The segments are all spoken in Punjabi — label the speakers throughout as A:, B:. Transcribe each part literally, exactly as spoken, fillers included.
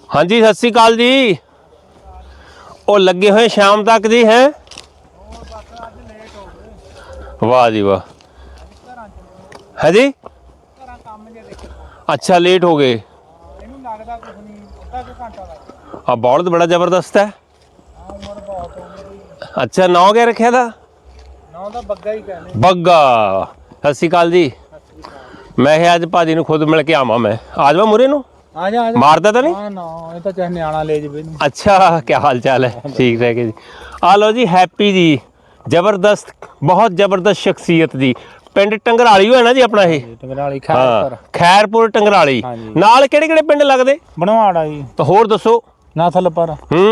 A: हाँ जी सत श्री अकाल जी। वो लगे हुए शाम तक जी हैं। वाह जी वाह। है जी अच्छा लेट हो गए। हाँ बौलद बड़ा जबरदस्त है। अच्छा नाव क्या रखे था?
B: बग्गा ही कहने।
A: बग्गा। सत श्री अकाल जी। मैं अज भाजी नूं खुद मिल के आवा। मैं आ जावा मुरे नूं
B: आ जा आ जा।
A: मारदा तो नहीं?
B: ना ना ये तो चाहे न्याणा ले जावे।
A: अच्छा क्या हाल चाल है? ठीक रह के जी। आ लो जी हैप्पी जी जबरदस्त बहुत जबरदस्त शख्सियत जी। पिंड टंगराली है ना जी अपना ये?
B: टंगराली खैरपुर।
A: हाँ खैरपुर टंगराली नाल किहड़े किहड़े पिंड लगदे?
B: बनवाड़ा जी
A: तो होर दसो।
B: नाथलपर
A: हूँ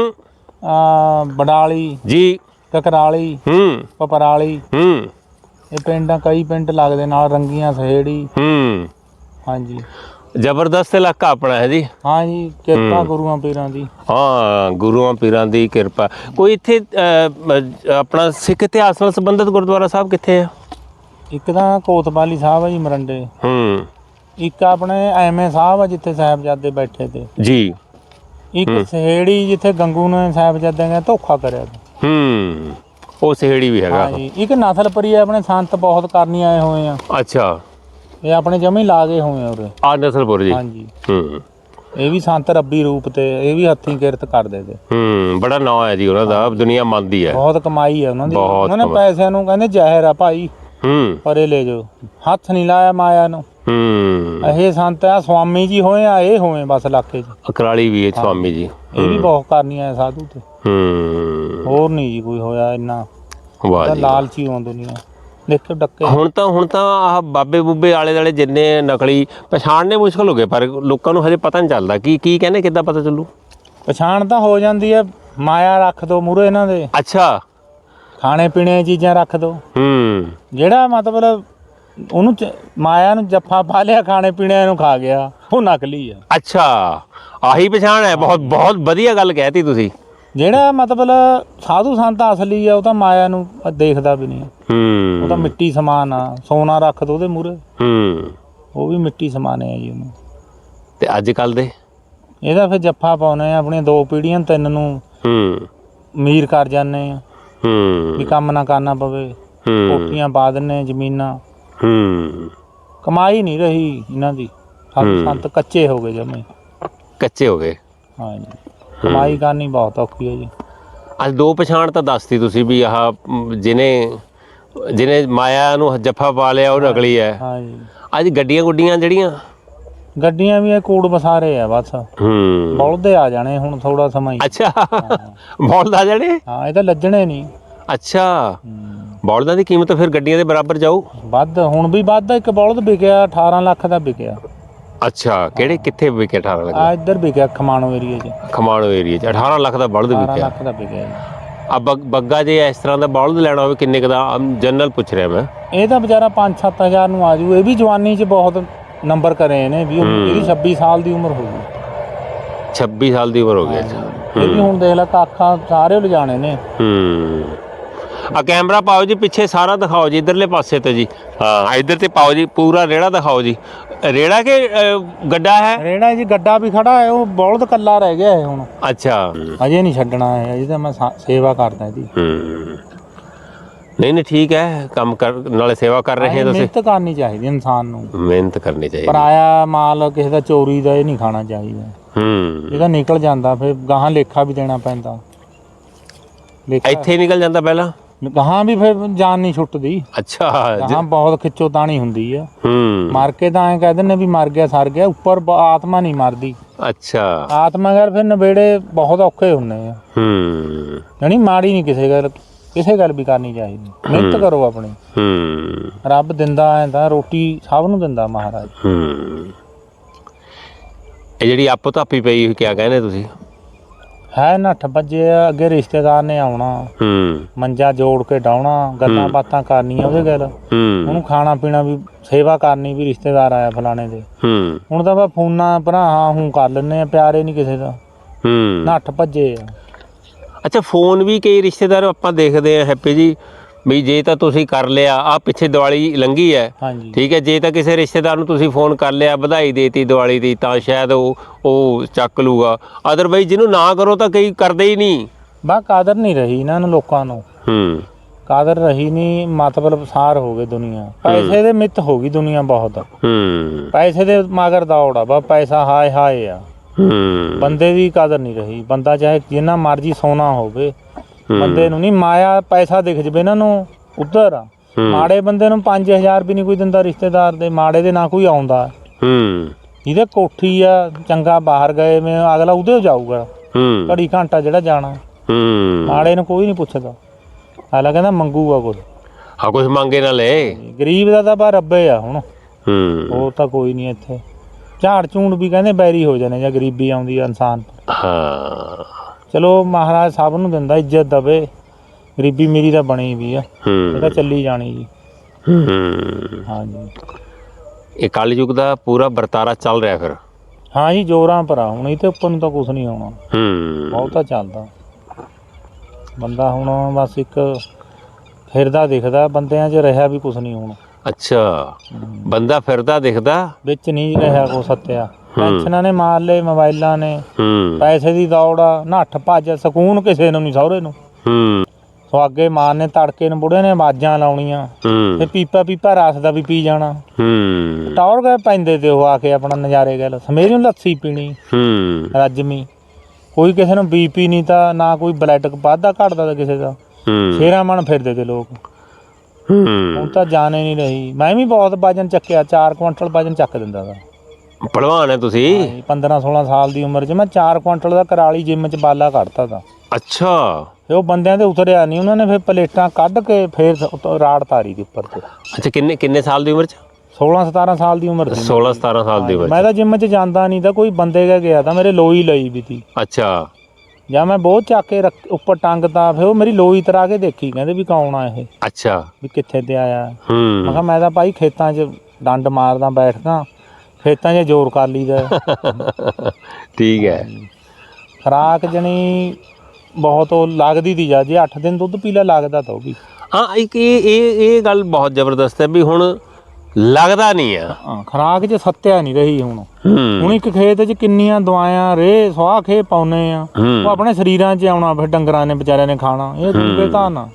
B: बडाली
A: जी
B: ककराली
A: हूँ
B: पपराली
A: हूँ
B: ये पिंड कई पिंड लगदे नाल रंगियां सहेड़ी।
A: हूँ
B: हाँ जी
A: जबरदस्त इलाका अपना है जी।
B: हाँ जी किरपा गुरुआं पीरां दी।
A: हाँ गुरुआं पीरां दी किरपा। कोई इत्थे अपना सिख इतिहास नाल संबंधित गुरुद्वारा साहब कित्थे है?
B: एक तां कोतवाली साहब है जी मरंडे।
A: हूँ
B: एक अपने एमए साहब है जिथे साहिबजादे बैठे थे
A: जी।
B: एक सहेड़ी जिथे गंगू ने साहिबजादे ने धोखा करिया।
A: हूँ वो सहेड़ी भी हैगा।
B: हाँ जी एक नाथलपरी है अपने संत बहुत करनी आए हुए हैं।
A: अच्छा
B: ये अपने जमी ला गए हुए हैं उरे।
A: आ नसलपुर जी।
B: हाँ जी
A: हूँ
B: ये भी संत रब्बी रूप ते ये भी हत्थी किरत करदे ते।
A: हूँ बड़ा नाम है जी उन्हां दा दुनिया मंनदी है।
B: बहुत कमाई है उन्हां दी।
A: बहुत
B: उन्होंने पैसिਆਂ ਨੂੰ ਕਹਿੰਦੇ ਜ਼ਹਿਰ ਆ ਭਾਈ
A: हूँ
B: ਪਰੇ ਲੈ ਜਾਓ ਹੱਥ ਨਹੀਂ ਲਾਇਆ ਮਾਇਆ ਨੂੰ।
A: हूँ
B: ਇਹ ਸੰਤ ਆ स्वामी जी होए आ ये होए बस इलाके च।
A: अकराली भी है स्वामी जी।
B: ये भी बहुत करनी है साधु ते
A: हूँ
B: होर नहीं जी कोई होया इन्ना।
A: वाह जी
B: लालची हो दुनिया देखो डक्के।
A: ਹੁਣ ਤਾਂ ਹੁਣ ਤਾਂ ਆਹ ਬਾਬੇ ਬੂਬੇ ਆਲੇ ਦੁਆਲੇ ਜਿੰਨੇ ਨਕਲੀ ਪਛਾਣਨੇ ਮੁਸ਼ਕਲ ਹੋ ਗਏ ਪਰ ਲੋਕਾਂ ਨੂੰ ਹਜੇ ਪਤਾ ਨਹੀਂ ਚੱਲਦਾ ਕੀ ਕੀ ਕਹਿੰਦੇ ਕਿੱਦਾਂ ਪਤਾ ਚੱਲੂ?
B: ਪਛਾਣ ਤਾਂ ਹੋ ਜਾਂਦੀ ਹੈ ਮਾਇਆ ਰੱਖ ਦੋ ਮੂਹਰੇ ਇਹਨਾਂ ਦੇ।
A: ਅੱਛਾ
B: ਖਾਣੇ ਪੀਣੇ ਦੀਆਂ ਚੀਜ਼ਾਂ ਰੱਖ ਦੋ।
A: ਹੂੰ
B: ਜਿਹੜਾ ਮਤਲਬ ਉਹਨੂੰ ਮਾਇਆ ਨੂੰ ਜੱਫਾ ਪਾ ਲਿਆ ਖਾਣੇ ਪੀਣੇ ਨੂੰ ਖਾ ਗਿਆ ਉਹ ਨਕਲੀ ਆ।
A: ਅੱਛਾ ਆਹੀ ਪਛਾਣ ਹੈ। ਬਹੁਤ ਬਹੁਤ ਵਧੀਆ ਗੱਲ ਕਹਿਤੀ ਤੁਸੀਂ।
B: ਜਿਹੜਾ ਮਤਲਬ ਸਾਧੂ ਸੰਤ ਅਸਲੀ ਆ ਉਹ ਤਾਂ ਮਾਇਆ ਨੂੰ ਦੇਖਦਾ ਵੀ ਨਹੀਂ।
A: ਹੂੰ
B: ਉਹ ਤਾਂ ਮਿੱਟੀ ਸਮਾਨ ਆ ਸੋਨਾ ਰੱਖ ਦੋ ਉਹਦੇ ਮੂਹਰੇ
A: ਹੂੰ
B: ਉਹ ਵੀ ਮਿੱਟੀ ਸਮਾਨ ਹੈ ਜੀ ਉਹਨੂੰ।
A: ਤੇ ਅੱਜ ਕੱਲ ਦੇ
B: ਇਹਦਾ ਫਿਰ ਜੱਫਾ ਪਾਉਨੇ ਆ ਆਪਣੀਆਂ ਦੋ ਪੀੜ੍ਹੀਆਂ ਤਿੰਨ ਨੂੰ।
A: ਹੂੰ
B: ਅਮੀਰ ਕਰ ਜਾਂਦੇ ਆ
A: ਹੂੰ
B: ਵੀ ਕੰਮ ਨਾ ਕਰਨਾ ਪਵੇ।
A: ਹੂੰ
B: ਕੋਠੀਆਂ ਪਾ ਦਿੰਨੇ ਜ਼ਮੀਨਾਂ।
A: ਹੂੰ
B: ਕਮਾਈ ਨਹੀਂ ਰਹੀ ਇਹਨਾਂ ਦੀ। ਸਾਧੂ ਸੰਤ ਕੱਚੇ ਹੋ ਗਏ ਜਮੇ
A: ਕੱਚੇ ਹੋ ਗਏ।
B: ਹਾਂ ਜੀ ਕਮਾਈ ਕਰਨੀ ਬਹੁਤ ਔਖੀ ਹੈ ਜੀ।
A: ਅੱਜ ਦੋ ਪਛਾਣ ਤਾਂ ਦੱਸਤੀ ਤੁਸੀਂ ਵੀ ਆਹ ਜਿਹਨੇ ਜਿਹਨੇ ਮਾਇਆ ਨੂੰ ਜੱਫਾ ਪਾ ਲਿਆ ਉਹ ਨਕਲੀ ਹੈ।
B: ਹਾਂ ਜੀ
A: ਅੱਜ ਗੱਡੀਆਂ ਗੁੱਡੀਆਂ ਜਿਹੜੀਆਂ
B: ਗੱਡੀਆਂ ਵੀ ਇਹ ਕੂੜ ਬਸਾਰੇ ਆ ਬਸ।
A: ਹੂੰ
B: ਬਲਦੇ ਆ ਜਾਣੇ ਹੁਣ ਥੋੜਾ ਸਮਾਂ ਹੀ।
A: ਅੱਛਾ ਬੌਲਦ ਆ ਜਾਣੇ।
B: ਹਾਂ ਇਹ ਤਾਂ ਲੱਜਣੇ ਨਹੀਂ।
A: ਅੱਛਾ ਬੌਲਦਾਂ ਦੀ ਕੀਮਤ ਫਿਰ ਗੱਡੀਆਂ ਦੇ ਬਰਾਬਰ ਜਾਊ?
B: ਵੱਧ ਹੁਣ ਵੀ ਵੱਧ। ਇੱਕ ਬਲਦ ਵਿਕਿਆ ਅਠਾਰਾਂ ਲੱਖ ਦਾ ਵਿਕਿਆ।
A: ਅੱਛਾ ਕਿਹੜੇ ਕਿੱਥੇ ਵਿਕਿਆ? ਅਠਾਰਾਂ ਲੱਖ
B: ਆ ਇੱਧਰ ਵਿਕਿਆ ਖਮਾਣੋ ਏਰੀਏ 'ਚ।
A: ਖਮਾਣੋ ਏਰੀਏ 'ਚ ਅਠਾਰਾਂ ਲੱਖ ਦਾ ਬਲਦ
B: ਅਠਾਰਾਂ
A: ਵਿਕਿਆ।
B: ਲੱਖ ਦਾ ਵਿਕਿਆ ਜੀ।
A: ਆ ਬੱਗਾ ਜੇ ਇਸ ਤਰ੍ਹਾਂ ਦਾ ਬਲਦ ਲੈਣਾ ਹੋਵੇ ਕਿੰਨੇ ਕੁ ਦਾ? ਜਨਰਲ ਪੁੱਛ ਰਿਹਾ ਮੈਂ।
B: ਇਹ ਤਾਂ ਵਿਚਾਰਾ ਪੰਜ ਸੱਤ ਹਜ਼ਾਰ ਨੂੰ ਆ ਜੂ। ਇਹ ਵੀ ਜਵਾਨੀ 'ਚ ਬਹੁਤ ਨੰਬਰ ਕਰੇ ਇਹਨੇ ਵੀ। ਇਹਦੀ ਛੱਬੀ ਸਾਲ ਦੀ ਉਮਰ ਹੋ ਗਈ।
A: ਛੱਬੀ ਸਾਲ ਦੀ ਉਮਰ ਹੋ ਗਈ। ਅੱਛਾ
B: ਇਹ ਵੀ ਹੁਣ ਦੇਖ ਲੈ ਕਾਖਾਂ ਸਾਰੇ ਲਿਜਾਣੇ ਨੇ।
A: ਹੂੰ ਆ ਕੈਮਰਾ ਪਾਓ ਜੀ ਪਿੱਛੇ ਸਾਰਾ ਦਿਖਾਓ ਜੀ ਇਧਰਲੇ ਪਾਸੇ ਤੇ ਜੀ। ਹਾਂ ਇੱਧਰ ਤੇ ਪਾਓ ਜੀ ਪੂਰਾ ਰੇੜਾ ਦਿਖਾਓ ਜੀ। ਰੇੜਾ ਕਿ ਗੱਡਾ ਹੈ? ਰੇੜਾ
B: ਜੀ ਗੱਡਾ ਵੀ ਖੜਾ ਹੈ। ਉਹ ਬਲਦ ਕੱਲਾ ਰਹਿ ਗਿਆ ਹੈ ਹੁਣ।
A: ਅੱਛਾ
B: ਅਜੇ ਨਹੀਂ ਛੱਡਣਾ ਹੈ। ਅਜੇ ਤਾਂ ਮੈਂ ਸੇਵਾ ਕਰਦਾ ਇਹਦੀ।
A: ਹੂੰ ਨਹੀਂ ਨਹੀਂ ਠੀਕ ਹੈ ਕੰਮ ਕਰ ਨਾਲੇ ਸੇਵਾ ਕਰ ਰਹੇ ਤੁਸੀਂ।
B: ਮਿਹਨਤ ਕਰਨੀ ਚਾਹੀਦੀ ਇਨਸਾਨ ਨੂੰ।
A: ਮਿਹਨਤ ਕਰਨੀ ਚਾਹੀਦੀ।
B: ਪਰਾਇਆ ਮਾਲ ਕਿਸੇ ਦਾ ਚੋਰੀ ਦਾ ਇਹ ਨਹੀਂ ਖਾਣਾ ਚਾਹੀਦਾ।
A: ਹੂੰ
B: ਇਹਦਾ ਨਿਕਲ ਜਾਂਦਾ ਫਿਰ ਗਾਹਾਂ ਲੇਖਾ ਵੀ ਦੇਣਾ ਪੈਂਦਾ।
A: ਇੱਥੇ ਨਿਕਲ ਜਾਂਦਾ ਪਹਿਲਾਂ
B: ਗਾਹਾਂ ਵੀ ਫਿਰ ਜਾਨ ਨਹੀਂ ਛੁੱਟਦੀ।
A: ਅੱਛਾ
B: ਗਾਹਾਂ ਬਹੁਤ ਖਿੱਚੋ ਤਾਣੀ ਹੁੰਦੀ ਆ।
A: ਹੂੰ
B: ਮਰ ਕੇ ਤਾਂ ਐਂ ਕਹਿ ਦਿੰਦੇ ਵੀ ਮਰ ਗਿਆ ਸਰ ਗਿਆ। ਉੱਪਰ ਆਤਮਾ ਨਹੀਂ ਮਰਦੀ।
A: ਅੱਛਾ
B: ਆਤਮਾ ਘਰ ਫਿਰ ਨਵੇੜੇ ਬਹੁਤ ਔਖੇ ਹੁੰਦੇ ਆ।
A: ਹੂੰ
B: ਯਾਨੀ ਮਾੜੀ ਨਹੀਂ ਕਿਸੇ ਗੱਲ ਕਿਸੇ ਗੱਲ ਵੀ ਕਰਨੀ ਚਾਹੀਦੀ। ਮਿਹਨਤ ਕਰੋ ਆਪਣੀ।
A: ਹੂੰ
B: ਰੱਬ ਦਿੰਦਾ ਐਂ ਤਾਂ ਰੋਟੀ ਸਭ ਨੂੰ ਦਿੰਦਾ ਮਹਾਰਾਜ।
A: ਹੂੰ ਇਹ ਜਿਹੜੀ ਆਪੋ ਧਾਪੀ ਪਈ ਹੋਈ ਕਿਆ ਕਹਿੰਦੇ ਤੁਸੀਂ? ਹੈ
B: ਨੱਠ ਭੱਜੇ ਆ। ਅੱਗੇ ਰਿਸ਼ਤੇਦਾਰ ਨੇ ਆਉਣਾ।
A: ਹੂੰ
B: ਮੰਜਾ ਜੋੜ ਕੇ ਡਾਉਣਾ ਗੱਲਾਂ ਬਾਤਾਂ ਕਰਨੀਆਂ ਉਹਦੇ ਗੱਲ। ਉਹਨੂੰ ਖਾਣਾ ਪੀਣਾ ਵੀ ਸੇਵਾ ਕਰਨੀ ਵੀ ਰਿਸ਼ਤੇਦਾਰ ਆਇਆ ਫਲਾਣੇ ਦੇ।
A: ਹੂੰ
B: ਹੁਣ ਤਾਂ ਬਸ ਫੋਨਾਂ ਭਰਾ ਹਾਂ ਹੂੰ ਕਰ ਲੈਂਦੇ ਆ। ਪਿਆਰੇ ਨਹੀਂ ਕਿਸੇ ਦਾ।
A: ਹੂੰ
B: ਨੱਠ ਭੱਜੇ ਆ।
A: ਅੱਛਾ ਫੋਨ ਵੀ ਕਈ ਰਿਸ਼ਤੇਦਾਰ ਆਪਾਂ ਦੇਖਦੇ ਆ ਹੈਪੀ ਜੀ ਵੀ ਜੇ ਤਾਂ ਤੁਸੀਂ ਕਰ ਲਿਆ ਆ ਪਿੱਛੇ ਦੀਵਾਲੀ ਲੰਘੀ ਹੈ
B: ਹਾਂਜੀ
A: ਠੀਕ ਹੈ, ਜੇ ਤਾਂ ਕਿਸੇ ਰਿਸ਼ਤੇਦਾਰ ਨੂੰ ਤੁਸੀਂ ਫੋਨ ਕਰ ਲਿਆ ਵਧਾਈ ਦੇਤੀ ਦੀਵਾਲੀ ਦੀ ਤਾਂ ਸ਼ਾਇਦ ਉਹ ਉਹ ਚੱਕ ਲੂਗਾ, ਅਦਰਵਾਈਜ਼ ਜਿਹਨੂੰ ਨਾ ਕਰੋ ਤਾਂ ਕਈ ਕਰਦੇ ਹੀ ਨਹੀਂ।
B: ਬਾ ਕਾਦਰ ਨਹੀਂ ਰਹੀ ਇਹਨਾਂ ਨੂੰ, ਲੋਕਾਂ ਨੂੰ
A: ਹੂੰ
B: ਕਾਦਰ ਰਹੀ ਨਹੀਂ, ਮਤਲਬ ਸਾਰ ਹੋ ਗਏ ਦੁਨੀਆ, ਪੈਸੇ ਦੇ ਮਿੱਤ ਹੋ ਗਈ ਦੁਨੀਆ ਬਹੁਤ,
A: ਹੂੰ
B: ਪੈਸੇ ਦੇ ਮਗਰ ਦੌੜ ਆ ਬਾ, ਪੈਸਾ ਹਾਏ ਹਾਏ ਆ,
A: ਹੂੰ
B: ਬੰਦੇ ਦੀ ਕਦਰ ਨਹੀਂ ਰਹੀ। ਬੰਦਾ ਚਾਹੇ ਜਿੰਨਾ ਮਰਜ਼ੀ ਸੋਨਾ ਹੋਵੇ, ਬੰਦੇ ਨੂੰ ਨਹੀਂ ਮਾਇਆ ਪੈਸਾ ਦਿਖ ਜਵੇ ਇਹਨਾਂ ਨੂੰ ਉੱਧਰ ਆ। ਮਾੜੇ ਬੰਦੇ ਨੂੰ ਪੰਜ ਹਜ਼ਾਰ ਵੀ ਨਹੀਂ ਕੋਈ ਦਿੰਦਾ ਰਿਸ਼ਤੇਦਾਰ ਦੇ, ਮਾੜੇ ਦੇ ਨਾ ਕੋਈ ਆਉਂਦਾ।
A: ਹੂੰ
B: ਜਿਹਦੇ ਕੋਠੀ ਆ ਚੰਗਾ ਬਾਹਰ ਗਏ ਮੈਂ ਅਗਲਾ ਉਹਦੇ ਜਾਊਗਾ
A: ਹੂੰ
B: ਘੜੀ ਘੰਟਾ ਜਿਹੜਾ ਜਾਣਾ,
A: ਹੂੰ
B: ਮਾੜੇ ਨੂੰ ਕੋਈ ਨਹੀਂ ਪੁੱਛਦਾ, ਅਗਲਾ ਕਹਿੰਦਾ ਮੰਗੂਗਾ ਕੁਝ,
A: ਹਾਂ ਕੁਛ ਮੰਗੇ ਨਾ ਲੈ।
B: ਗਰੀਬ ਦਾ ਤਾਂ ਬਾ ਰੱਬੇ ਆ ਹੁਣ,
A: ਹੂੰ
B: ਹੋਰ ਤਾਂ ਕੋਈ ਨਹੀਂ ਇੱਥੇ। ਝਾੜ ਝੂੜ ਵੀ ਕਹਿੰਦੇ ਬੈਰੀ ਹੋ ਜਾਣੇ ਜਾਂ ਗਰੀਬੀ ਆਉਂਦੀ ਆ ਇਨਸਾਨ।
A: ਹਾਂ
B: ਚਲੋ ਮਹਾਰਾਜ ਸਭ ਨੂੰ ਦਿੰਦਾ, ਇੱਜ਼ਤ ਦਵੇ, ਗਰੀਬੀ ਮੇਰੀ ਤਾਂ ਬਣੀ ਵੀ ਆ, ਇਹ ਤਾਂ ਚੱਲੀ ਜਾਣੀ ਜੀ।
A: ਹੂੰ
B: ਹਾਂਜੀ
A: ਇਹ ਕਲਯੁਗ ਦਾ ਪੂਰਾ ਵਰਤਾਰਾ ਚੱਲ ਰਿਹਾ ਫਿਰ।
B: ਹਾਂ ਜੀ ਜ਼ੋਰਾਂ ਪਰ ਆ ਹੁਣ, ਇਹ ਤੇ ਉੱਪਰ ਨੂੰ ਤਾਂ ਕੁਛ ਨਹੀਂ ਆਉਣਾ,
A: ਹੂੰ
B: ਬਹੁਤਾ ਚੱਲਦਾ। ਬੰਦਾ ਹੁਣ ਬਸ ਇੱਕ ਫਿਰਦਾ ਦਿਖਦਾ, ਬੰਦਿਆਂ 'ਚ ਰਿਹਾ ਵੀ ਕੁਛ ਨਹੀਂ ਹੁਣ।
A: ਅੱਛਾ ਬੰਦਾ ਫਿਰਦਾ ਦਿਖਦਾ
B: ਵਿੱਚ ਨਹੀਂ ਰਿਹਾ ਕੋ ਸੱਤਿਆ, ਪੈਨਸ਼ਨਾਂ ਨੇ ਮਾਰ ਲਏ, ਮੋਬਾਈਲਾਂ ਨੇ,
A: ਹੂੰ
B: ਪੈਸੇ ਦੀ ਦੌੜ ਆ, ਨੱਠ ਭੱਜ, ਸਕੂਨ ਕਿਸੇ ਨੂੰ ਨਹੀਂ, ਸਹੁਰੇ ਨੂੰ
A: ਹੂੰ
B: ਸੁਹਾਗੇ ਮਾਰਨੇ, ਤੜਕੇ ਨੂੰ ਬੁੜੇ ਨੇ ਆਵਾਜ਼ਾਂ ਲਾਉਣੀਆਂ,
A: ਹੂੰ
B: ਤੇ ਪੀਪਾ ਪੀਪਾ ਰਸ ਦਾ ਵੀ ਪੀ ਜਾਣਾ,
A: ਹੂੰ
B: ਟੌਰ ਗਏ ਪੈਂਦੇ ਤੇ ਉਹ ਆ ਕੇ ਆਪਣਾ ਨਜ਼ਾਰੇ ਗੱਲ, ਸਵੇਰੇ ਨੂੰ ਲੱਸੀ ਪੀਣੀ
A: ਹੂੰ
B: ਰੱਜਮੀ, ਕੋਈ ਕਿਸੇ ਨੂੰ ਬੀਪੀ ਨਹੀਂ ਤਾਂ ਨਾ ਕੋਈ ਬਲੱਡ ਵੱਧਦਾ ਘਟਦਾ ਤਾਂ ਕਿਸੇ ਦਾ,
A: ਹੂੰ
B: ਸ਼ੇਰਾਂ ਮਨ ਫਿਰਦੇ ਤੇ ਲੋਕ।
A: ਹੂੰ
B: ਹੁਣ ਤਾਂ ਜਾਣੇ ਨਹੀਂ ਰਹੀ। ਮੈਂ ਵੀ ਬਹੁਤ ਵਜਨ ਚੱਕਿਆ, ਚਾਰ ਕੁਆਂਟਲ ਵਜਨ ਚੱਕ ਦਿੰਦਾ ਤਾ।
A: ਭਲਵਾਨ ਹੈ ਤੁਸੀਂ?
B: ਪੰਦਰਾਂ ਸੋਲਾਂ ਸਾਲ ਦੀ ਉਮਰ 'ਚ ਮੈਂ ਚਾਰ ਕੁਆਂਟਲ ਦਾ ਕਰਾਲੀ ਜਿੰਮ 'ਚ ਬਾਲਾ ਕੱਢਤਾ ਤਾ।
A: ਅੱਛਾ
B: ਤੇ ਉਹ ਬੰਦਿਆਂ ਦੇ ਉਤਰਿਆ ਨਹੀਂ, ਉਹਨਾਂ ਨੇ ਫਿਰ ਪਲੇਟਾਂ ਕੱਢ ਕੇ ਫਿਰ ਉੱਤੋਂ ਰਾੜ ਤਾਰੀ ਦੇ ਉੱਪਰ ਤੇ।
A: ਅੱਛਾ ਕਿੰਨੇ ਕਿੰਨੇ ਸਾਲ ਦੀ ਉਮਰ ਚ?
B: ਸੋਲਾਂ ਸਤਾਰਾਂ ਸਾਲ ਦੀ ਉਮਰ ਸੀ।
A: ਸੋਲਾਂ ਸਤਾਰਾਂ ਸਾਲ ਦੀ ਉਮਰ
B: ਮੈਂ ਤਾਂ ਜਿੰਮ 'ਚ ਜਾਂਦਾ ਨਹੀਂ ਤਾਂ ਕੋਈ ਬੰਦੇ ਕਾ ਗਿਆ ਤਾਂ ਮੇਰੇ ਲੋਈ ਲਈ ਵੀ ਤੀ।
A: ਅੱਛਾ
B: ਜਾਂ ਮੈਂ ਬਹੁਤ ਚੱਕ ਕੇ ਰੱਖ ਉੱਪਰ ਟੰਗਤਾ, ਫਿਰ ਉਹ ਮੇਰੀ ਲੋਈ ਤਰਾ ਕੇ ਦੇਖੀ, ਕਹਿੰਦੇ ਵੀ ਕੌਣ ਆ ਇਹ,
A: ਅੱਛਾ
B: ਵੀ ਕਿੱਥੇ ਤੇ ਆਇਆ। ਮੈਂ
A: ਹੂੰ
B: ਕਿਹਾ ਮੈਂ ਤਾਂ ਭਾਈ ਖੇਤਾਂ 'ਚ ਡੰਡ ਮਾਰਦਾ ਬੈਠਦਾ, ਖੇਤਾਂ 'ਚ ਜ਼ੋਰ ਕਰ ਲਈਦਾ।
A: ਠੀਕ ਹੈ।
B: ਖੁਰਾਕ ਜਣੀ ਬਹੁਤ ਉਹ ਲੱਗਦੀ ਤੀ, ਜਾ ਜੇ ਅੱਠ ਦਿਨ ਦੁੱਧ ਪੀ ਲਿਆ ਲੱਗਦਾ ਤਾਂ ਉਹ ਵੀ।
A: ਹਾਂ ਇੱਕ ਇਹ ਇਹ ਇਹ ਗੱਲ ਬਹੁਤ ਜ਼ਬਰਦਸਤ ਹੈ ਵੀ ਹੁਣ ਲੱਗਦਾ ਨਹੀਂ ਆ।
B: ਹਾਂ ਖੁਰਾਕ 'ਚ ਸੱਤਿਆ ਨਹੀਂ ਰਹੀ ਹੁਣ।
A: ਹੂੰ
B: ਹੁਣ ਇੱਕ ਖੇਤ 'ਚ ਕਿੰਨੀਆਂ ਦਵਾਈਆਂ ਰੇ ਸਵਾਹ ਖੇ ਪਾਉਨੇ ਆ, ਉਹ ਆਪਣੇ ਸਰੀਰਾਂ 'ਚ ਆਉਣਾ, ਫਿਰ ਡੰਗਰਾਂ ਨੇ ਵਿਚਾਰਿਆਂ ਨੇ ਖਾਣਾ, ਇਹ ਦੂਗੇ ਤਾਂ ਨਾ।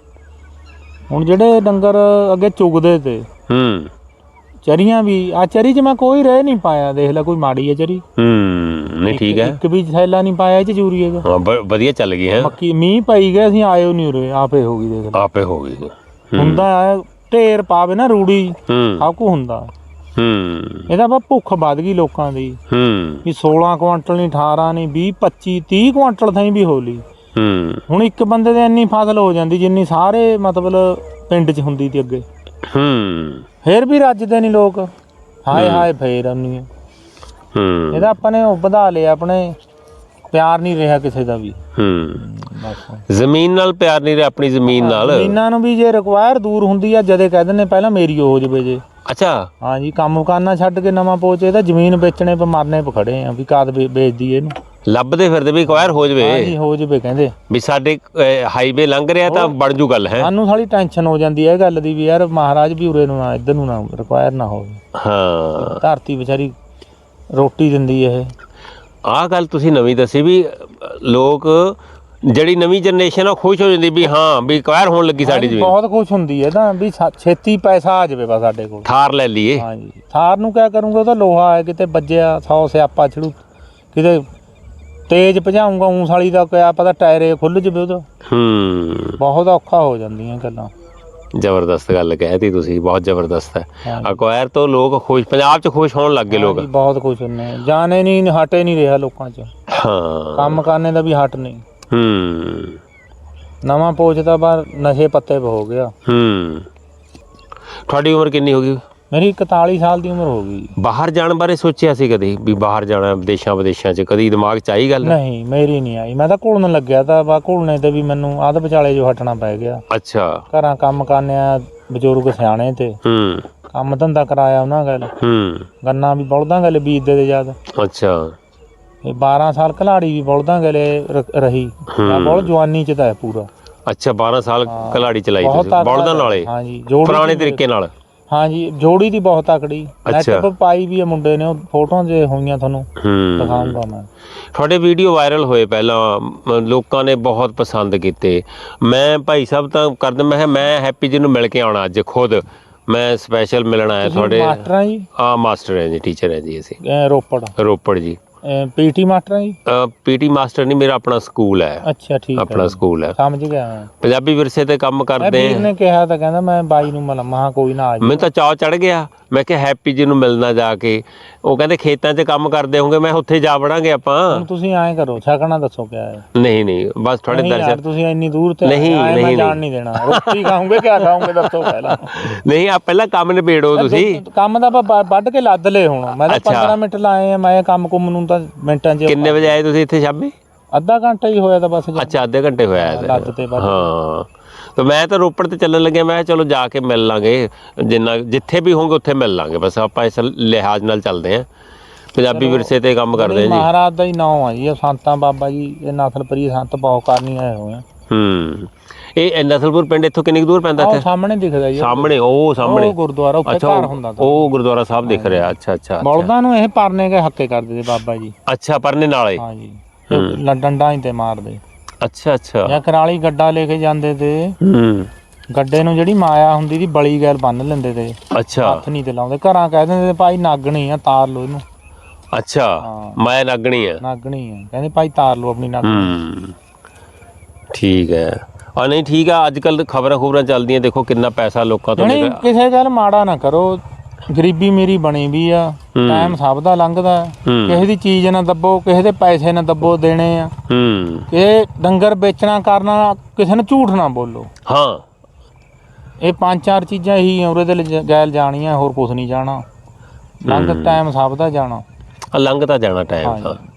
B: ਹੁਣ ਜਿਹੜੇ ਡੰਗਰ ਅੱਗੇ ਚੁਗਦੇ ਤੇ
A: ਹੂੰ
B: ਚਰੀਆਂ ਵੀ, ਆ ਚਰੀ 'ਚ ਮੈਂ ਕੋਈ ਰਹਿ ਨਹੀਂ ਪਾਇਆ, ਦੇਖ ਲੈ ਕੋਈ ਮਾੜੀ ਹੈ ਚਰੀ।
A: ਹੂੰ ਨਹੀਂ ਠੀਕ ਹੈ।
B: ਇੱਕ ਵੀ ਥੈਲਾ ਨਹੀਂ ਪਾਇਆ ਇਹ 'ਚ ਯੂਰੀਏ ਦਾ।
A: ਹਾਂ ਬ- ਵਧੀਆ ਚੱਲ ਗਈ ਹੈ।
B: ਮੱਕੀ ਮੀਂਹ ਪਈ ਗਿਆ, ਅਸੀਂ ਆਇਓ ਨਹੀਂ ਉਰੇ, ਆਪੇ ਹੋ ਗਈ ਦੇਖ ਲੈ।
A: ਆਪੇ ਹੋ ਗਈ।
B: ਹੁੰਦਾ ਆ ਢੇਰ ਪਾਵੇ ਨਾ ਰੂੜੀ,
A: ਹੂੰ
B: ਸਭ ਕੁ ਹੁੰਦਾ।
A: ਹੂੰ
B: ਇਹਦਾ ਬਾ ਭੁੱਖ ਵੱਧ ਗਈ ਲੋਕਾਂ ਦੀ,
A: ਹੂੰ
B: ਵੀ ਸੋਲਾਂ ਕੁਆਂਟਲ ਨਹੀਂ, ਅਠਾਰਾਂ ਨਹੀਂ, ਵੀਹ ਪੱਚੀ ਤੀਹ ਕੁਆਂਟਲ ਥਾਈ ਵੀ ਹੋ ਲਈ।
A: ਹੂੰ
B: ਹੁਣ ਇੱਕ ਬੰਦੇ ਦੇ ਇੰਨੀ ਫਸਲ ਹੋ ਜਾਂਦੀ ਜਿੰਨੀ ਸਾਰੇ ਮਤਲਬ ਪਿੰਡ 'ਚ ਹੁੰਦੀ ਤੀ ਅੱਗੇ।
A: ਹੂੰ
B: ਫੇਰ ਵੀ ਰੱਜਦੇ ਨਹੀਂ ਲੋਕ, ਹਾਏ ਹਾਏ ਫੇਰ ਆਉਣੀ ਹੈ।
A: ਹੂੰ
B: ਇਹਦਾ ਆਪਾਂ ਨੇ ਉਹ ਵਧਾ ਲਿਆ, ਆਪਣੇ ਪਿਆਰ ਨਹੀਂ ਰਿਹਾ ਕਿਸੇ ਦਾ ਵੀ।
A: ਹੂੰ
B: ਬਸ
A: ਜ਼ਮੀਨ ਨਾਲ ਪਿਆਰ ਨਹੀਂ ਰਿਹਾ, ਆਪਣੀ ਜ਼ਮੀਨ ਨਾਲ।
B: ਜ਼ਮੀਨਾਂ ਨੂੰ ਵੀ ਜੇ ਰਿਕਵਾਇਰ ਦੂਰ ਹੁੰਦੀ ਆ, ਜਦੇ ਕਹਿ ਦਿੰਦੇ ਪਹਿਲਾਂ ਮੇਰੀ ਹੋ ਜਵੇ ਜੇ।
A: ਅੱਛਾ
B: ਹਾਂਜੀ ਕੰਮ ਕਰਨਾ ਛੱਡ ਕੇ ਨਵਾਂ ਪੋਚੇ ਤਾਂ ਜ਼ਮੀਨ ਵੇਚਣੇ ਪੇ ਮਰਨੇ ਪੇ ਖੜੇ ਆ, ਵੀ ਕਾਦ ਵੇਚਦੀ ਇਹਨੂੰ।
A: ਲੱਭਦੇ ਫਿਰਦੇ ਵੀ ਅਕਵਾਇਰ ਹੋ ਜਵੇ,
B: ਹਾਂਜੀ ਹੋ ਜਵੇ ਕਹਿੰਦੇ,
A: ਵੀ ਸਾਡੇ ਹਾਈਵੇ ਲੰਘ ਰਿਹਾ ਤਾਂ ਬਣ ਜੂ ਗੱਲ ਹੈ।
B: ਸਾਨੂੰ ਸਾਲੀ ਟੈਨਸ਼ਨ ਹੋ ਜਾਂਦੀ ਹੈ ਇਹ ਗੱਲ ਦੀ ਵੀ ਯਾਰ ਮਹਾਰਾਜ ਵੀ ਉਰੇ ਨੂੰ ਨਾ ਇੱਧਰ ਨੂੰ ਨਾ ਰਿਕਵਾਇਰ ਨਾ ਹੋਵੇ।
A: ਹਾਂ
B: ਧਰਤੀ ਵਿਚਾਰੀ ਰੋਟੀ ਦਿੰਦੀ ਇਹ।
A: ਆਹ ਗੱਲ ਤੁਸੀਂ ਨਵੀਂ ਦੱਸੀ ਵੀ ਲੋਕ ਜਿਹੜੀ ਨਵੀਂ ਜਨਰੇਸ਼ਨ ਆ ਖੁਸ਼ ਹੋ ਜਾਂਦੀ ਵੀ ਹਾਂ ਵੀ ਅਕਵਾਇਰ ਹੋਣ ਲੱਗੀ ਸਾਡੀ ਜ਼ਮੀਨ।
B: ਬਹੁਤ ਖੁਸ਼ ਹੁੰਦੀ ਹੈ ਤਾਂ ਵੀ ਸਾ- ਛੇਤੀ ਪੈਸਾ ਆ ਜਾਵੇ ਬਸ ਸਾਡੇ ਕੋਲ।
A: ਥਾਰ ਲੈ ਲਈਏ।
B: ਹਾਂਜੀ ਥਾਰ ਨੂੰ ਕਿਆ ਕਰੂੰਗਾ, ਉਹ ਤਾਂ ਲੋਹਾ ਹੈ, ਕਿਤੇ ਵੱਜਿਆ ਸੌ ਸਿਆਪਾ ਛੜੂ, ਕਿਤੇ ਤੇਜ਼ ਭਜਾਊਂਗਾ ਊਂ ਸਾਲੀ ਦਾ ਕਿਆ ਪਤਾ ਟਾਇਰੇ ਖੁੱਲ ਜਵੇ ਉਹਦਾ।
A: ਹੂੰ
B: ਬਹੁਤ ਔਖਾ ਹੋ ਜਾਂਦੀਆਂ ਗੱਲਾਂ।
A: ਜ਼ਬਰਦਸਤ ਗੱਲ ਕਹਿਤੀ ਤੁਸੀਂ, ਬਹੁਤ ਜ਼ਬਰਦਸਤ ਹੈ।
B: ਹਾਂਜੀ।
A: ਅਕਵਾਇਰ ਤੋਂ ਲੋਕ ਖੁਸ਼, ਪੰਜਾਬ 'ਚ ਖੁਸ਼ ਹੋਣ ਲੱਗ ਗਏ ਲੋਕ।
B: ਹਾਂਜੀ, ਬਹੁਤ ਖੁਸ਼ ਹੁੰਦੇ ਆ, ਜਾਣੇ ਨਹੀਂ ਹਟੇ ਨਹੀਂ ਰਿਹਾ ਲੋਕਾਂ 'ਚ,
A: ਹਾਂ
B: ਕੰਮ ਕਰਨੇ ਦਾ ਵੀ ਹਟ ਨਹੀਂ।
A: ਹੂੰ
B: ਨਵਾਂ ਪੋਚ ਤਾਂ ਬਾਹਰ ਨਸ਼ੇ ਪੱਤੇ ਪੇ ਹੋ ਗਿਆ।
A: ਹੂੰ ਤੁਹਾਡੀ ਉਮਰ ਕਿੰਨੀ ਹੋ ਗਈ?
B: ਮੇਰੀ ਇਕਤਾਲੀ ਸਾਲ ਦੀ ਉਮਰ ਹੋ ਗਈ।
A: ਬਾਹਰ ਜਾਣ ਬਾਰੇ ਸੋਚਿਆ ਸੀ ਕਦੇ ਵੀ ਬਾਹਰ ਜਾਣਾ ਵਿਦੇਸ਼ਾਂ ਵਿਦੇਸ਼ਾਂ 'ਚ, ਕਦੀ ਦਿਮਾਗ 'ਚ ਆਈ ਗੱਲ?
B: ਨਹੀਂ ਮੇਰੀ ਨਹੀਂ ਆਈ, ਮੈਂ ਤਾਂ ਘੁਲਣ ਲੱਗਿਆ ਤਾਂ ਬਾ ਘੁਲਣੇ ਤੇ ਵੀ ਮੈਨੂੰ ਅੱਧ ਵਿਚਾਲੇ ਜੋ ਹਟਣਾ ਪੈ ਗਿਆ।
A: ਅੱਛਾ
B: ਘਰਾਂ ਕੰਮ ਕਰਨੇ ਆ, ਬਜ਼ੁਰਗ ਸਿਆਣੇ ਤੇ
A: ਹੂੰ
B: ਕੰਮ ਧੰਦਾ ਕਰਾਇਆ ਉਹਨਾਂ ਗੱਲ,
A: ਹੂੰ
B: ਗੰਨਾ ਵੀ ਬਲਦਾਂ ਗੱਲ ਬੀਜਦੇ ਤੇ ਜਦ।
A: ਅੱਛਾ
B: ਇਹ ਬਾਰਾਂ ਸਾਲ ਘਲਾੜੀ ਵੀ ਬਲਦਾਂ ਗਲੇ ਰ- ਰਹੀ,
A: ਹੂੰ।
B: ਬਹੁਤ ਜਵਾਨੀ 'ਚ ਤਾਂ ਹੈ ਪੂਰਾ।
A: ਅੱਛਾ ਬਾਰਾਂ ਸਾਲ
B: ਹਾਂ।
A: ਕਲਾੜੀ ਚਲਾਈ
B: ਬਹੁਤ
A: ਤੁਸੀਂ
B: ਤਕੜਾ
A: ਬਲਦਾਂ ਨਾਲੇ
B: ਹਾਂਜੀ ਜੋੜੀ
A: ਪੁਰਾਣੇ
B: ਦੀ-
A: ਤਰੀਕੇ ਨਾਲ
B: ਹਾਂਜੀ ਜੋੜੀ ਦੀ ਬਹੁਤ ਤਕੜੀ ਨੈਟ
A: ਅੱਛਾ।
B: ਪਰ ਪਾਈ ਵੀ ਆ ਮੁੰਡੇ ਨੇ, ਉਹ ਫੋਟੋਆਂ ਜੇ ਹੋਈਆਂ ਤੁਹਾਨੂੰ
A: ਹੂੰ
B: ਦਿਖਾਉਂਗਾ ਮੈਂ।
A: ਤੁਹਾਡੇ ਵੀਡੀਓ ਵਾਇਰਲ ਹੋਏ ਪਹਿਲਾਂ, ਮ- ਲੋਕਾਂ ਨੇ ਬਹੁਤ ਪਸੰਦ ਕੀਤੇ। ਮੈਂ ਭਾਈ ਸਾਹਿਬ ਤਾਂ ਕਰਦੇ, ਮੈਂ ਕਿਹਾ ਮੈਂ ਹੈਪੀ ਜੀ ਨੂੰ ਮਿਲ ਕੇ ਆਉਣਾ ਅੱਜ ਖੁਦ, ਮੈਂ ਸਪੈਸ਼ਲ ਮਿਲਣ ਆਇਆ
B: ਤੁਸੀਂ
A: ਤੁਹਾਡੇ।
B: ਮਾਸਟਰ ਆ ਜੀ?
A: ਆ ਮਾਸਟਰ ਹੈ ਜੀ, ਟੀਚਰ ਹੈ ਜੀ ਅਸੀਂ
B: ਅਹ ਰੋਪੜ
A: ਰੋਪੜ ਜੀ।
B: ਪੀਟੀ ਮਾਸਟਰ ਆ ਜੀ?
A: ਪੀਟੀ ਮਾਸਟਰ ਨਹੀਂ, ਮੇਰਾ ਆਪਣਾ ਸਕੂਲ ਹੈ,
B: ਅੱਛਾ ਠੀਕ ਹੈ
A: ਆਪਣਾ
B: ਜੀ,
A: ਸਕੂਲ ਹੈ,
B: ਸਮਝ ਗਿਆ ਮੈਂ।
A: ਪੰਜਾਬੀ ਵਿਰਸੇ ਤੇ ਕੰਮ
B: ਮੈਂ
A: ਕਰਦੇ
B: ਵੀਰ
A: ਹਾਂ।
B: ਨੇ ਕਿਹਾ ਤਾਂ ਕਹਿੰਦਾ ਮੈਂ ਬਾਈ ਨੂੰ ਮਿਲਾਂ, ਮਹਾ ਕੋਈ ਨਾ ਆ ਜੀ।
A: ਮੈਨੂੰ ਤਾਂ ਚਾਅ ਚੜ ਗਿਆ, ਮੈਂ ਕਿਹਾ ਹੈਪੀ ਜੀ ਨੂੰ ਮਿਲਣਾ ਜਾ ਕੇ। ਉਹ ਕਹਿੰਦੇ ਖੇਤਾਂ 'ਚ ਕੰਮ ਕਰਦੇ ਹੋਗੇ, ਮੈਂ ਉੱਥੇ ਜਾ ਵੜਾਂਗੇ ਆਪਾਂ।
B: ਹੁਣ ਤੁਸੀਂ ਐਂ ਕਰੋ, ਛਕਣਾ ਦੱਸੋ ਕਿਆ ਹੈ?
A: ਨਹੀਂ ਨਹੀਂ ਬਸ ਤੁਹਾਡੇ
B: ਨਹੀਂ ਯਾਰ,
A: ਦਰਸ਼ਨ।
B: ਤੁਸੀਂ ਇੰਨੀ ਦੂਰ ਤੇ
A: ਨਹੀਂ,
B: ਆਏ,
A: ਨਹੀਂ,
B: ਮੈਂ ਜਾਣ
A: ਨਹੀਂ।
B: ਨਹੀਂ ਦੇਣਾ। ਰੋਟੀ ਖਾਓਗੇ ਕਿਆ ਖਾਓਗੇ ਦੱਸੋ ਪਹਿਲਾਂ।
A: ਨਹੀਂ ਆ ਪਹਿਲਾਂ ਕੰਮ ਨਿਬੇੜੋ ਤੁਸੀਂ।
B: ਕੰਮ ਦਾ ਆਪਾਂ ਵੱਢ ਕੇ ਲੱਦ ਲਏ ਹੁਣ, ਮੈਂ ਤਾਂ
A: ਅੱਛਾ।
B: ਪੰਦਰਾਂ ਮਿੰਟ ਲਾਏ ਆ, ਮੈਂ ਕੰਮ ਕੁੰਮ ਨੂੰ ਤਾਂ ਮਿੰਟਾਂ 'ਚ।
A: ਕਿੰਨੇ ਵਜੇ ਆਏ ਤੁਸੀਂ ਇੱਥੇ ਸ਼ਾਮੀ?
B: ਅੱਧਾ ਘੰਟਾ ਹੀ ਹੋਇਆ ਤਾਂ ਬਸ।
A: ਅੱਛਾ ਅੱਧੇ ਘੰਟੇ ਹੋਇਆ ਹੈ
B: ਲੱਦ ਤੇ ਵੱਢ।
A: ਹਾਂ ਤਾਂ ਮੈਂ ਤਾਂ ਰੋਪੜ ਤੇ ਚੱਲਣ ਲੱਗਿਆ, ਮੈਂ ਕਿਹਾ ਚਲੋ ਜਾ ਕੇ ਮਿਲ ਲਾਂਗੇ, ਜਿੰਨਾ ਜਿੱਥੇ ਵੀ ਹੋਗੇ ਉੱਥੇ ਮਿਲ ਲਾਂਗੇ, ਬਸ ਆਪਾਂ ਇਸ ਲਿਹਾਜ਼ ਨਾਲ ਚੱਲਦੇ ਹਾਂ, ਪੰਜਾਬੀ ਵਿਰਸੇ ਤੇ ਕੰਮ ਕਰਦੇ ਹਾਂ ਜੀ।
B: ਮਹਾਰਾਜ ਦਾ ਹੀ ਨਾਮ ਆ ਜੀ, ਇਹ ਸੰਤਾਂ ਬਾਬਾ ਜੀ, ਇਹ ਨਸਲਪਰੀ ਸੰਤ ਬਹੁਤ ਕਰਨੀ ਆਏ ਹੋਏ ਆ।
A: ਹੂੰ ਇਹ ਨਸਲਪੁਰ ਪਿੰਡ ਇੱਥੋਂ ਕਿੰਨੀ ਕੁ ਦੂਰ ਪੈਂਦਾ
B: ਉਹ
A: ਇੱਥੇ?
B: ਸਾਹਮਣੇ ਦਿਖਦਾ ਜੀ,
A: ਸਾਹਮਣੇ ਉਹ ਸਾਹਮਣੇ
B: ਉਹ ਗੁਰਦੁਆਰਾ ਉੱਥੇ
A: ਅੱਛਾ
B: ਘਰ
A: ਉਹ-
B: ਹੁੰਦਾ ਤਾਂ।
A: ਉਹ ਗੁਰਦੁਆਰਾ ਸਾਹਿਬ ਦਿਖ ਰਿਹਾ। ਅੱਛਾ ਅੱਛਾ ਅੱਛਾ।
B: ਬਲਦਾਂ ਨੂੰ ਇਹ ਪਰਨੇ ਕੇ ਹੱਕੇ ਕਰਦੇ ਤੇ ਬਾਬਾ ਜੀ।
A: ਅੱਛਾ ਪਰਨੇ ਨਾਲੇ।
B: ਹਾਂ ਜੀ, ਇਹ ਡੰਡਾਂ ਹੀ ਤੇ ਮਾਰਦੇ।
A: ਅੱਛਾ ਅੱਛਾ।
B: ਜਾਂ ਕਰਾਲੀ ਗੱਡਾ ਲੈ ਕੇ ਜਾਂਦੇ ਤੇ,
A: ਹੂੰ
B: ਗੱਡੇ ਨੂੰ ਜਿਹੜੀ ਮਾਇਆ ਹੁੰਦੀ ਦੀ ਬਲੀ ਗੈਲ ਬੰਨ ਲੈਂਦੇ ਤੇ,
A: ਅੱਛਾ
B: ਹੱਥ ਨਹੀਂ ਤੇ ਲਾਉਂਦੇ। ਘਰਾਂ ਕਹਿ ਦਿੰਦੇ ਤੇ ਭਾਈ ਨਾਗਣੀ ਆ, ਤਾਰ ਲਓ ਇਹਨੂੰ।
A: ਅੱਛਾ
B: ਹਾਂ।
A: ਮੈਂ ਨਾਗਣੀ ਆ।
B: ਨਾਗਣੀ ਆ, ਕਹਿੰਦੇ ਭਾਈ ਤਾਰ ਲਓ ਆਪਣੀ ਨਾਗਣੀ।
A: ਹੂੰ ਠੀਕ ਹੈ। ਆ ਨਹੀਂ ਠੀਕ ਆ, ਅੱਜ ਕੱਲ ਖਬਰਾਂ ਖਬਰਾਂ ਚੱਲਦੀਆਂ, ਦੇਖੋ ਕਿੰਨਾ ਪੈਸਾ ਲੋਕਾਂ ਤੋਂ
B: ਨਹੀਂ
A: ਨਿਕਲ।
B: ਕਿਸੇ ਗੱਲ ਮਾੜਾ ਨਾ ਕਰੋ, ਗਰੀਬੀ ਮੇਰੀ ਬਣੀ ਵੀ ਆ, ਟਾਈਮ ਸਭ ਦਾ ਲੰਘਦਾ।
A: ਹੂੰ।
B: ਕਿਸੇ ਦੀ ਚੀਜ਼ ਨਾ ਦੱਬੋ, ਕਿਸੇ ਦੇ ਪੈਸੇ ਨਾ ਦੱਬੋ ਦੇਣੇ ਆ।
A: ਹੂੰ
B: ਇਹ ਡੰਗਰ ਵੇਚਣਾ ਕਰਨਾ, ਕਿਸੇ ਨੂੰ ਝੂਠ ਨਾ ਬੋਲੋ।
A: ਹਾਂ
B: ਇਹ ਪੰਜ ਚਾਰ ਚੀਜ਼ਾਂ ਹੀ ਉਹਦੇ ਤੇ ਲਿਜ- ਗੈਲ ਜਾਣੀਆਂ, ਹੋਰ ਕੁਝ ਨਹੀਂ ਜਾਣਾ। ਲੰਘ ਟਾਈਮ ਸਭ ਦਾ ਜਾਣਾ।
A: ਆ ਲੰਘ ਤਾਂ ਜਾਣਾ ਟਾਈਮ
B: ਹਾਂਜੀ।
A: ਤਾਂ।